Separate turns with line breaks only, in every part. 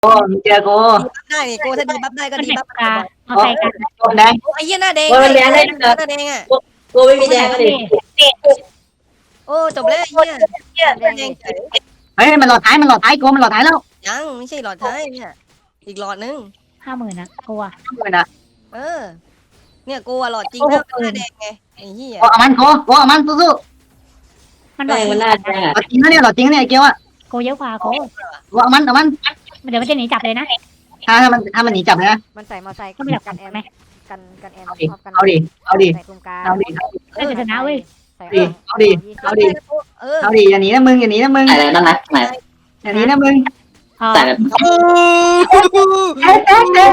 โอ้มึงเจอกู
ได้นี่กูถ้าดีบัฟได้ก็ดีบัฟ
กามาใส่กัน
โดนแดง
โอ้ไอ้เหี้ยหน้าแดง
มันแดงได้
หน้าแดงอ่ะ
กูไม่มีแดงก็ดิ
โอ้จบแล้วไอ้เหี้ยแดงเฉย
เฮ้ยมันหลอดท้ายกูมันหลอดท้ายแล้ว
ยังไม่ใช่หลอดท้ายเนี่ยอีกหลอดนึง
50,000นะกลัว
เลยนะ
เออเนี่ยกูอะหลอดจริงแล้วหน้าแดงไงไอ้เหี้ย
กูเอามันกูเอามันสู้
มัน
แม่งมันน่าแดง
ๆหลอดจริงนะเนี่ยหลอดจริงนะเนี่ยไอ้เกียวอ่ะ
โกเยอะกว่าโก
กูเอามัน
เดี๋ยวมันจะหนีจับเลยนะ
ถ้ามันหนีจับนะ
มันใส่มอไซค์
ก็ไม่อยาก
กันแอม
ไหม
กันแอม
เอาดิเอาดิ
ใส่กลุ่มกลาง
เอาดิ
เอ้ยจะชนะเว้ย
ใส่
เอาดิ เอาดิ
เออ
เอาดิอย่าหนีนะมึงอย่าหนีนะมึง
อะไรนั่นนะไหน
อย่าหนีนะมึง
พอ
แต่แบบ
เอ๊ะ
มันใส่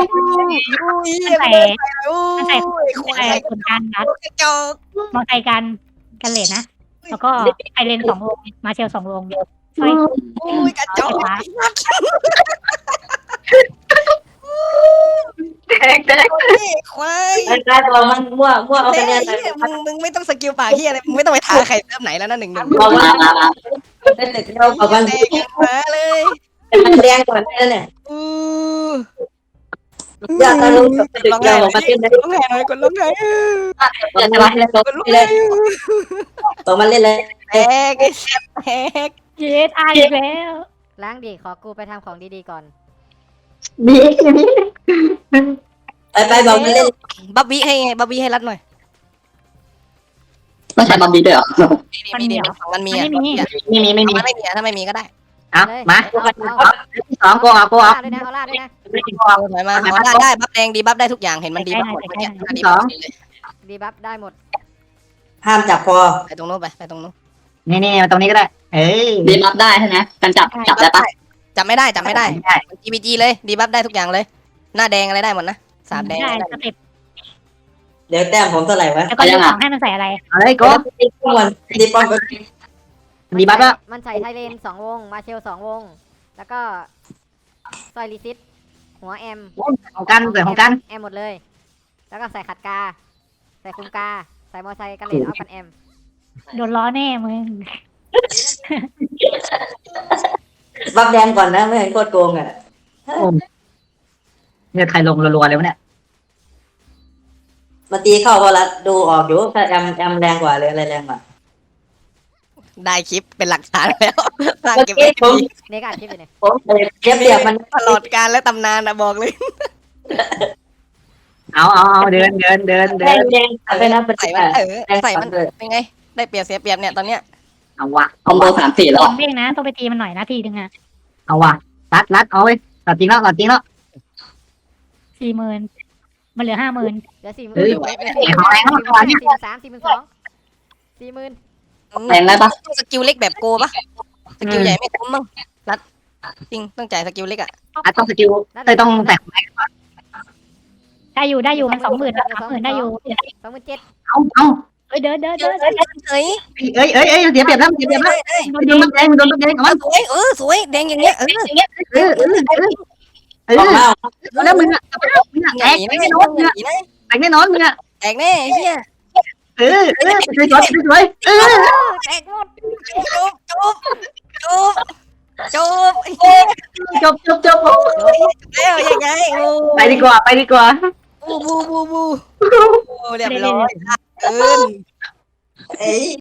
โอ้
มัน
ย
ใส่
ควา
ใส่
ย
ผลการนัด
กระจอก
มอไซค์กันเลนนะแล้วก็ไอเลน2 วงมาเชล2 วงสร้อย
โอ้ยกระจอก
แดง
ควาย
ไอ้กายตัวมันมั่วเอาคะแนน
มึงไม่ต้องสกิลปากเฮียอะไรมึงไม่ต้องไปท้าใครเติมไหนแล้วนะ1-1
บอกว่าได้แต่เราบอกว่า
แดงมาเลย
มันแดงกว่านั่นแหละ
อู้
อยากจะรู้ตึก
ร้อง
เดี
ไห้
ยวบอกมาเล่นเลย
ร้องไห้เลยกดร้องไห้
จะมาเล่นตัวเลยตัวมันเล่นเลย
แตกไอ้แซ่บแตก
เยสอาอีกแล้ว
ล้างดิขอกูไปทำของดีๆก่อน
ดีนี่
ไปบอกมันเล่น
บับบี้ให้บับบี้ให้รัดหน่อย
ต้องใช้บอมบี้ด้วยเหรอ
มีดีมันมี
มันไม่มี
ไม่มี
มันไม่มีถ้าไม่มีก็ได้
เอามา
เอา
สองกูเอา
ล่าด้วยนะเอาล่าด้วยนะ
ถอยมาได้บับแดงดีบับได้ทุกอย่างเห็นมันดีบับหมดดีบับ
ดีบัฟได้หมด
ห้ามจับคอ
ไปตรงโน้นไปตรงโน้น
นี่มาตรงนี้ก็ได้เอ้ย
ดีบัฟได้ใช่ไหมการจับได้ปะ
จับไม่ได้GBG เลยดีบับได้ทุกอย่างเลย หน้าแดงอะไรได้หมดนะ3แดง
ได้สเต็ป
เดี๋ยวแต้มผมเท่าไหร่วะ
แล้วก็ยกของให้มันใส่อะไร
เอาเลยกู
ดีป้อมดีป้อม
ดีบัฟแล้ว
มันใส่ไทเลน2 วงมาเชล2 วงแล้วก็ซอยลิซิตหัวแอม
ของกันเกิดของกัน
แอมหมดเลย แล้วก็ใส่ขัดกา ใส่คุมกา ใส่มอไซค์กันเลนเอากันแอม
โดนล้อแน่มึง
บัฟแดงก่อนนะไม่เห็นโคตรโกงอ่ะ
เนี่ยใครลงรัวๆเลยวะเนี่ย
มาตีเข้าพอละดูออกอยู่ถ้าแอมแรงกว่าเลยอะไรแรงกว่า
ได้คลิปเป็นหลักฐานแล้วสร้างเก็บไว้
เด็กอัดคลิปอยู่เนี่ย
ผมเทียบเรียบมัน
ตลอดการและตำนานนะบอกเลย
เอาเดิน
แดงไปนะเป็น
ใส่มันใส่มันเป็นไงได้เปรียบเสียเปรียบเนี่ยตอนเนี้ย
เอาวะ
คอมโบ3-4แล้ว
เด้งนะต้องไปตีมันหน่อยนะทีนึงอ่ะ
เอาวะรัดเอาไว้ตัดจริงแล้ว
40,000มันเหลือ50,000
เหลือ40,000 43,000 40,000
แรงได้ปะ
สกิลเล็กแบบโกปะสกิลใหญ่ไม่คุ้มมั้งรัดจริงต้องจ่ายสกิลเล็กอ่ะ
ต้องสกิลต้องแตก
ได้อยู่มัน20,000แล้ว30,000ได้อยู่
27,000
เอา
เอ้ยเดิน
เฮ้ย
เอ้ยเสียเปรียบแล้วโดนแดงเอามัน
สวยสวยแดงอย่างเงี้ย
แล้วมึงอ่ะแตกแน่นอนมึงอ่ะแตกแน่นอนมึงอ่ะ
แตกแน่เฮีย
สวย
แตกหมด
จุบ
จบ
แล้วยังไง
ไปดีกว่า
บูเรียบร้อยเกิน
เอ้ย